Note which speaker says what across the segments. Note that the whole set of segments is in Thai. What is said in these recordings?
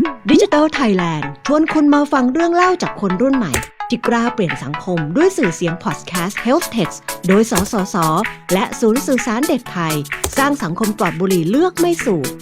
Speaker 1: ดิจิทัลไทยแลนด์ชวนคุณมาฟังเรื่องเล่าจากคนรุ่นใหม่ที่กล้าเปลี่ยนสังคมด้วยสื่อเสียงพอดแคสต์ Health Tech โดยสสส.และศูนย์สื่อสารเด็กไทยสร้างสังคมปลอดบุหรี่เลือกไม่สูบ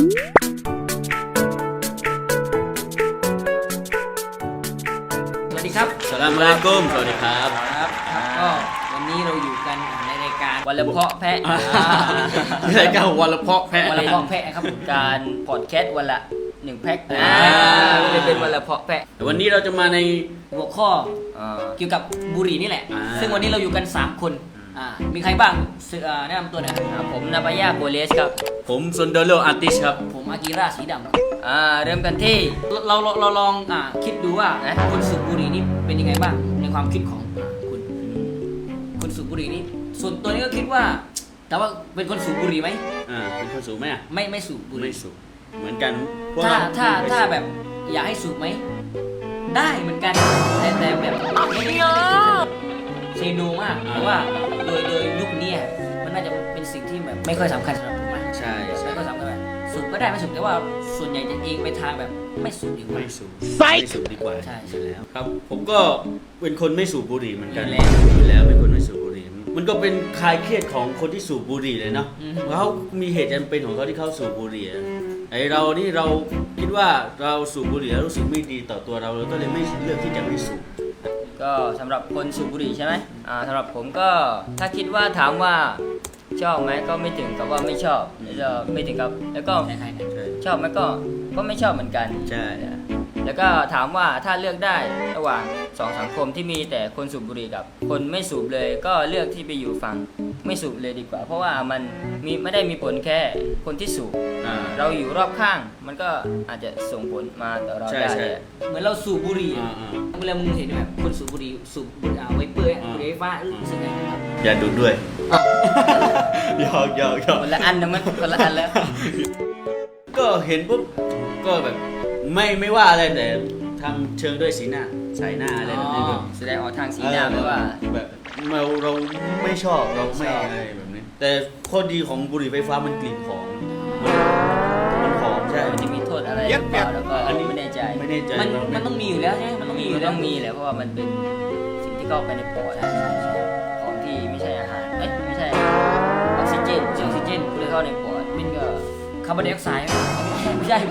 Speaker 2: สวัสดีครับ
Speaker 3: สลามอะลัยกุมสวัสดีครับ
Speaker 2: ก็วันนี้เราอยู่กันในรายการวันละเพาะแพะ
Speaker 3: รายการวันละเพาะแพะ
Speaker 2: วันละเพาะแพะครับการพอดแคสต์วันละ1แพ็คจะเป็นวันละเพาะแพะ
Speaker 3: วันนี้เราจะมาใน
Speaker 2: หัวข้อเกี่ยวกับบุหรี่นี่แหละซึ่งวันนี้เราอยู่กัน3คนมีใครบ้างแนะนำตัวหน่อยผมนาบายาโบเลสครับ
Speaker 3: ผมซุนเดโลอาร์ติสครับ
Speaker 2: ผมอากิระสีดำเริ่มกันที่เราลองคิดดูว่าคนสูบบุหรี่นี่เป็นยังไงบ้างในความคิดของคุณสูบบุหรี่นี่ส่วนตัวนี้ก็คิดว่าแต่ว่าเป็นคนสูบบุหรี่ไหม
Speaker 3: เป็นคนสูบไหม
Speaker 2: ไม่สูบบุหรี่
Speaker 3: ไม่สูบเหมือนกัน
Speaker 2: ถ้าแบบอยากให้สูบไหมได้เหมือนกันแต่แบบไม่ได้เซโนมากเพราะว่าโดยยุคนี้มันน่าจะเป็นสิ่งที่แบบไม่ค่อยสำคัญสำหรับผม
Speaker 3: ใช่
Speaker 2: ไม่ค่อยสำคัญสูบก็ได้ไม่สูบแต่ว่าส่วนใหญ่จะเองไปทางแบบไม่สูบดีกว่า
Speaker 3: ไม่สูบดีกว่า
Speaker 2: ใช่
Speaker 3: แล้วครับผมก็เป็นคนไม่สูบบุหรี่เหมือนกันแล้วเป็นคนไม่สูบบุหรี่มันก็เป็นคลายเครียดของคนที่สูบบุหรี่เลยเนาะเขามีเหตุจำเป็นของเขาที่เขาสูบบุหรี่ไอเรานี่เราคิดว่าเราสูบบุหรี่แล้วรู้สึกไม่ดีต่อตัวเราก็เลยไม่เลือกที่จะไม่สูบ
Speaker 2: ก็สำหรับคนสูบบุหรี่ใช่ไหมสำหรับผมก็ถ้าคิดว่าถามว่าชอบไหมก็ไม่ถึงกับว่าไม่ชอบไม่ถึงกับแล้วก็ชอบไหมก็ไม่ชอบเหมือนกัน
Speaker 3: ใช่
Speaker 2: แล้วก็ถามว่าถ้าเลือกได้ระหว่าง2สังคมที่มีแต่คนสูบบุหรี่กับคนไม่สูบเลยก็เลือกที่ไปอยู่ฝั่งไม่สูบเลยดีกว่าเพราะว่ามันไม่ได้มีผลแค่คนที่สูบเราอยู่รอบข้างมันก็อาจจะส่งผลมาต่อเราได้เหมือนเราสูบบุหรี่เวลามึงเห็นแบบคนสูบบุหรี่ไวเปอร์บุหรี่ไฟฟ้ารู้สึกไงครับ
Speaker 3: อย่าดูด้วยยอก
Speaker 2: คนละอันนะมันคนละอันแล้ว
Speaker 3: ก็เห็นปุ๊บก็แบบไม่ว่าอะไรแต่ทำเชิงด้วยสีหน้าใส่หน้าอะไรแบบนี้
Speaker 2: แสดงออกทางสีหน้าไม่ว่า
Speaker 3: แบบเราไม่ชอบเราไม่อะไรแบบนี้แต่ข้อดีของบุหรี่ไฟฟ้ามันกลิ่นหอมมันหอมใช่
Speaker 2: มันจะมีโทษอะไรหรือเปล่าแล้วก็ไม่แน่ใจมันต้องมีอยู่แล้วใช่ไหมมันต้องมีแหละเพราะว่ามันเป็นสิ่งที่เข้าไปในปอดของที่ไม่ใช่อาหารไม่ใช่ออกซิเจนที่เข้าในปอดมันก็คาร์บอนไดออกไซด์ไม่ใช่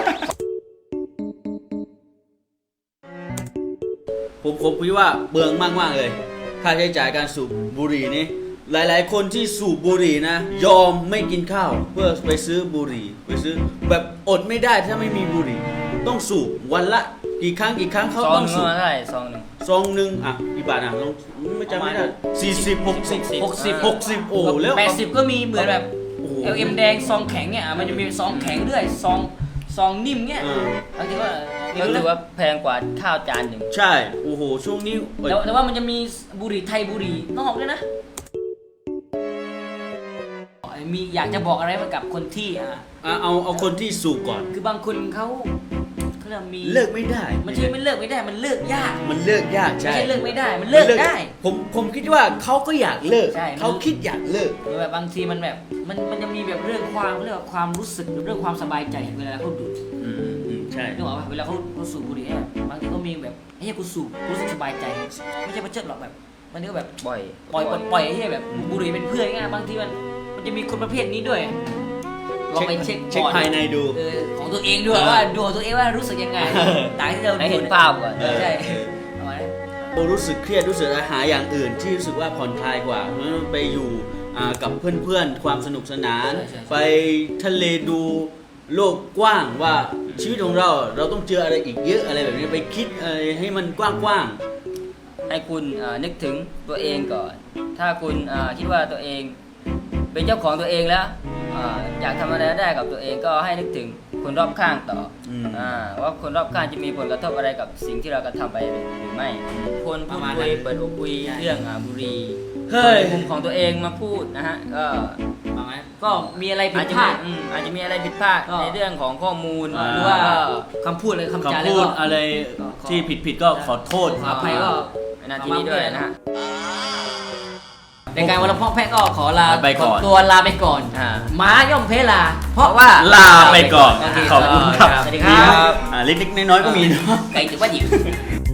Speaker 3: ผมคิดว่าเบืองมากเลยค่าใช้จ่ายการสูบบุหรี่นี้หลายๆคนที่สูบบุหรี่นะยอมไม่กินข้าวเพื่อไปซื้อบุหรี่ไปซื้อแบบอดไม่ได้ถ้าไม่มีบุหรี่ต้องสูบวันละกี่ครั้งเขาต้องสูบซองนึงกี่บาทลองไม่จำไม่ได้40 60โอ้แล้ว
Speaker 2: 80ก็มีเหมือนแบบLM แดงซองแข็งเนี่ยมันจะมีซองแข็งด้วยซองนิ่มเนี่ยบางทีว่าถือว่าแพงกว่าข้าวจานหนึ่ง
Speaker 3: ใช่โอ้โหช่วงนี้
Speaker 2: แต่ว่ามันจะมีบุหรี่ไทยบุหรี่นอกด้วยนะมีอยากจะบอกอะไรกับคนที่
Speaker 3: เอาคนที่สูบก่อน
Speaker 2: คือบางคนเขา
Speaker 3: เลิกไม่ได้
Speaker 2: มันไม่เลิกไม่ได้มันเลิกยาก
Speaker 3: ใช่
Speaker 2: ไม่ใช่เลิกไม่ได้มันเลิกได้
Speaker 3: ผมคิดว่าเขาก็อยากเลิกเขาคิดอยากเลิก
Speaker 2: แบบบางทีมันแบบมันจะมีแบบเรื่องความรู้สึกเรื่องความสบายใจเวลาเขาดูด
Speaker 3: ใช่
Speaker 2: นึกออกป่ะเวลาเขาสูบบุหรี่บางทีก็มีแบบไอ้เหี้ยกูสูบรู้สึกสบายใจไม่ใช่ประเจิดหรอกแบบมันก็แบบปล่อยไอ้เหี้ยแบบบุหรี่เป็นเพื่อนง่ายบางทีมันจะมีคนประเภทนี้ด้วยลองไปเช็ค
Speaker 3: ภายในดู
Speaker 2: ของตัวเองด้วยว่าดูของตัวเองว่ารู้สึกยังไงตามที่เรา
Speaker 3: เห็นภาพก่อน
Speaker 2: ใช่
Speaker 3: รู้สึกเครียดรู้สึกหาอย่างอื่นที่รู้สึกว่าผ่อนคลายกว่าไปอยู่กับเพื่อนๆความสนุกสนานไปทะเลดูโลกกว้างว่าชีวิตของเราต้องเจออะไรอีกเยอะอะไรแบบนี้ไปคิดอะไรให้มันกว้าง
Speaker 2: ให้คุณนึกถึงตัวเองก่อนถ้าคุณคิดว่าตัวเองเป็นเจ้าของตัวเองแล้วอยากทำอะไรได้กับตัวเองก็ให้นึกถึงคนรอบข้างต่อว่าคนรอบข้างจะมีผลกระทบอะไรกับสิ่งที่เรากระทำไปหรือไม่คนพูดคุยเปิดอกคุยเรื่องบุหรี่ในมุมของตัวเองมาพูดนะฮะก็มีอะไรผิดพลาดอาจจะมีอะไรผิดพลาดในเรื่องของข้อมูลหรือว่าคำพูด
Speaker 3: อะไรที่ผิดก็ขอโทษ
Speaker 2: อภัยก็ในนาทีนี้ด้วยนะฮะในการวันละเพาะแพะก็ขอลา
Speaker 3: ไปก่อน
Speaker 2: ตัวลาไปก่อนม้าย่อมเพลาเพราะว่า
Speaker 3: ลาไปก่อนขอบคุณครับ
Speaker 2: สวัสดีครับ
Speaker 3: เล็กๆน้อยๆก็มีเนาะ
Speaker 2: ไก่ถือว่าดิบ